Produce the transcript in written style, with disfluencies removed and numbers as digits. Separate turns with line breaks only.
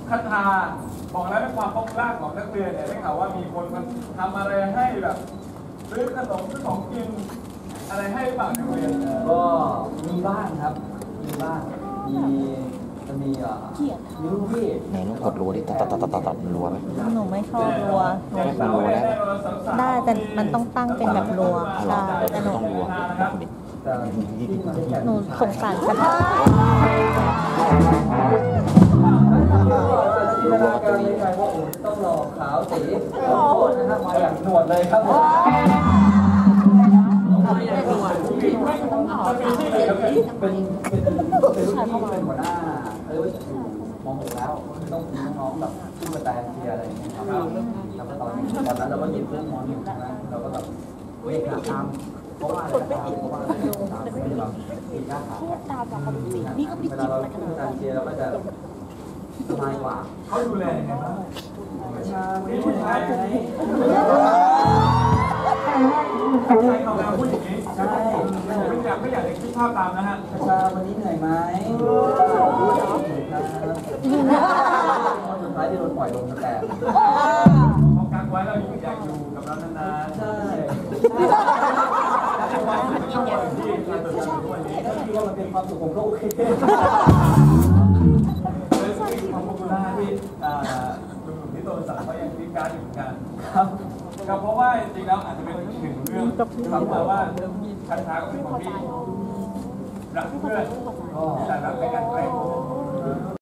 คาถาบอกแล้วในความป๊อปล่าของนักเรียนเนี่ยได้ข่าวว่ามีคนมันทำอะไรให้แบบซื้อขนมซื้อของกินอะไรให้บ้างนักเรียน
ก็มีบ้างครับมีบ้างจะมีรุ่นพี่
ไหนลูกกดรัวดิตัดรัวไหม
หนูไม่ชอบรัวได้แต่มันต้องตั้งเป็นแบบรัวใช่แต่หนูสงสารกัน
ต้องรอขาวสีนะครับมาอย่างหนวดเลยครับผมเป็นลูกพี่เป็นหัวหน้าอยู่ม.6แล้วต้องมีน้องๆแบบที่มาแต่เชียร์อะไรอย่างเงี้ยครับแล้วก็ตอนนั้นเราก็หยิบเรื่องม.1นะเราก็แบบเวกตามเพราะว่าตามแบบนี่ก็ไม่ได้กินอะไรขนาดนั้นเชียร์เราก็จะสบายกว่า
เขาดูแลยังไงบ้าง
ใช่
ผู้ชายเขาแล้วพูดอย่างนี้ใช่ไม่อยากจะคิดภาพตามนะฮะ
ชาวันนี้เหนื่อยไหมสุดท้ายที่โดนปล่อยลงแต่
พอกักไว้เราอยากอยู่กับเรานานๆ
ใช่ที่ว่ามันเป็นความสุขของโลกโอเค
ความpopularที่คุณหนุ่มที่โตสังเขายังพิการอยู่เหมือนกัน
ครับ
ก็เพราะว่าจริงๆแล้วอาจจะเป็นอีกหนึ่งเรื่องที่ทำมาว่าคันช้าก็เป็นคนที่รักเพื่อนแต่รักในการแกล้ง